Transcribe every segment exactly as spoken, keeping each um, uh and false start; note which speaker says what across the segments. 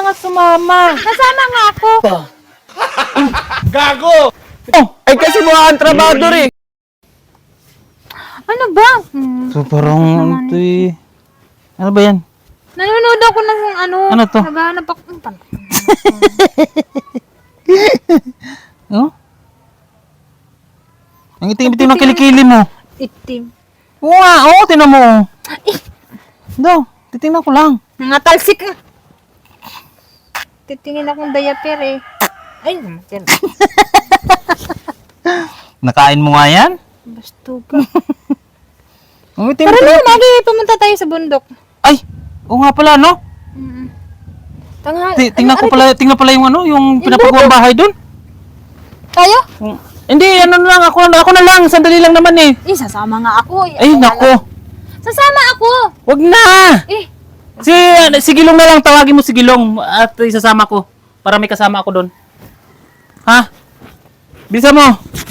Speaker 1: nga sumama.
Speaker 2: Nasama nga ako.
Speaker 3: Gago!
Speaker 4: Oh, ay kasi mga kontrabador eh.
Speaker 2: Ano ba? Hmm.
Speaker 1: So parang ito eh. Ano ba yan?
Speaker 2: Nanonood ako ng ano.
Speaker 1: Ano to?
Speaker 2: Naghahanap ako.
Speaker 1: Oh? Ang itim-itim ng kilikili mo.
Speaker 2: Itim.
Speaker 1: Oo nga, oo, tinan mo. Do, titingnan ko lang.
Speaker 2: Nangatalsik na. Titingin akong diaper eh. Ay, naman.
Speaker 1: Nakain mo nga yan?
Speaker 2: Basto ka.
Speaker 1: Ang itim
Speaker 2: Tara na, lagi pumunta tayo sa bundok.
Speaker 1: Ay, oo nga pala, no?
Speaker 2: Mm. Tanghal.
Speaker 1: Ti- tingnan ko pala, tingnan pala yung ano, yung pinapagawang bahay doon.
Speaker 2: Tayo?
Speaker 1: Mm. Hindi, ano na lang, ako, ako na lang, sandali lang naman eh.
Speaker 2: Eh, sasama nga ako. Eh,
Speaker 1: Ay,
Speaker 2: ako nga
Speaker 1: nako.
Speaker 2: lang. Sasama ako.
Speaker 1: Wag na!
Speaker 2: Eh,
Speaker 1: Si, si Gilong na lang, tawagin mo si Gilong at isasama ko. Para may kasama ako doon. Ha? Bisa mo.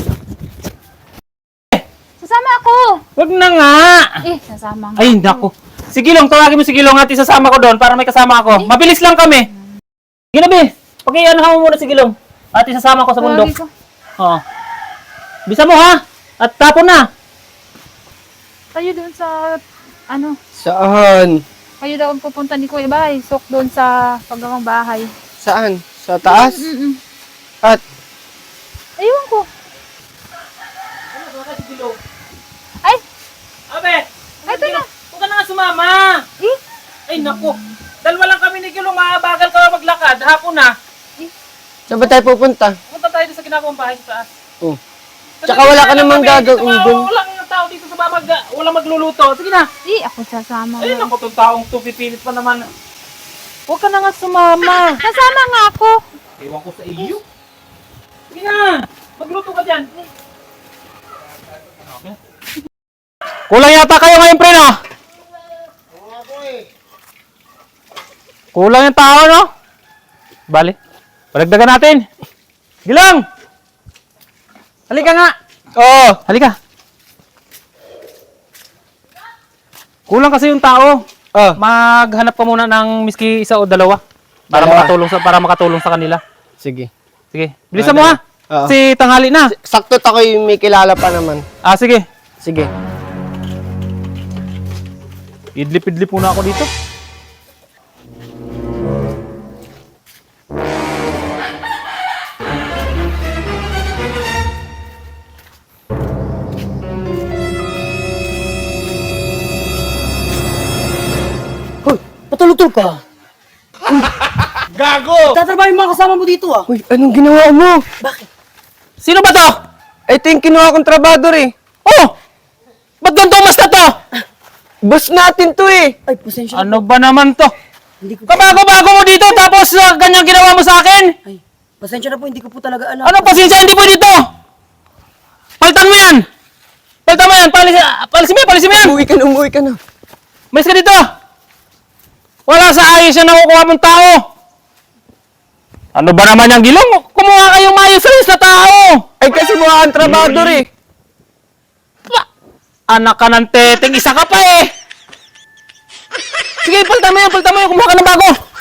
Speaker 2: sasama ako.
Speaker 1: Wag na nga.
Speaker 2: Eh, sasama nga.
Speaker 1: Ay, nako. Si Gilong, tawagin mo si Gilong at isasama ko doon para may kasama ako. Mabilis lang kami. Ginabi, pag-ianahan mo muna si Gilong at isasama ko sa bundok.
Speaker 2: Tawagin ko.
Speaker 1: Oo. Bisa mo ha? At tapon na.
Speaker 2: Tayo doon sa, ano,
Speaker 4: Saan?
Speaker 2: kayo daw ang pupunta ni Kuya Bahay. Sok doon sa paggawang bahay.
Speaker 4: Saan? Sa taas?
Speaker 2: Mm-mm.
Speaker 4: At
Speaker 2: Ayun ko. Ay,
Speaker 1: Abe,
Speaker 2: ay, ito na.
Speaker 1: huwag ka na nga sumama.
Speaker 2: Eh,
Speaker 1: Ay, naku. Dalawa lang kami ni Gilong, maabagal ka maglakad. Hapon na.
Speaker 4: saan ba tayo pupunta?
Speaker 1: Punta tayo sa ginagawang bahay sa taas.
Speaker 4: Oh. Tsaka wala ka namang gagawin doon.
Speaker 1: Walang tao dito sa babag, walang magluluto. Sige na.
Speaker 2: eh, ako sasama.
Speaker 1: Ay, naku, itong taong to, pipilit pa naman.
Speaker 2: Huwag ka na nga sumama. Sasama nga ako.
Speaker 1: Ewan ko sa iyo. Sige na. Magluto ka dyan. Okay. Kulang yata kayo ngayon, pre, no? Kulang yung tao, no? Bali. Palagdagan natin. Gilang! Halika nga.
Speaker 4: Oo.
Speaker 1: Halika. Kulang kasi yung tao.
Speaker 4: Oh.
Speaker 1: Maghanap ka muna ng miski isa o dalawa para
Speaker 4: Dalawa.
Speaker 1: makatulong sa para makatulong sa kanila.
Speaker 4: Sige.
Speaker 1: Sige. Bilisan mo ha.
Speaker 4: Oo.
Speaker 1: Si tanghali na.
Speaker 4: Sakto ako yung may kilala pa naman.
Speaker 1: Ah, sige.
Speaker 4: Sige.
Speaker 1: Idlip-idlip muna ako dito.
Speaker 5: Hoy, patulog-tulog ka.
Speaker 3: Gago!
Speaker 5: Tatrabaho yung mga kasama mo dito ah.
Speaker 4: Uy, anong ginawa mo?
Speaker 1: Sino ba to?
Speaker 4: Ito yung kinuha kong trabador eh.
Speaker 1: Oh! Ba't ganito mas na to?
Speaker 4: Boss natin to eh.
Speaker 5: Ay, pasensya na.
Speaker 1: Ano ba naman to?
Speaker 5: Hindi ko
Speaker 1: Kabago-bago mo dito tapos uh, ganyan ginawa mo sa akin?
Speaker 5: Ay, pasensya na po, hindi ko po talaga alam.
Speaker 1: Ano pasensya? Hindi pwede to! Palitan mo yan! Palitan mo yan! Palis, palisin mo yan! Palisin mo yan!
Speaker 4: Umuwi ka na, umuwi ka na.
Speaker 1: Malis ka dito! Wala sa ayos yan nakukuha mong tao! Ano ba naman yung Gilong? Kumuha kayong maayos-ayos na tao!
Speaker 4: Ay kasi mga kontrabador eh.
Speaker 1: Pa- Anak ka ng teteng, isa ka pa eh! Sige, palitan mo yan, palitan mo yan, kumuha ka ng bago!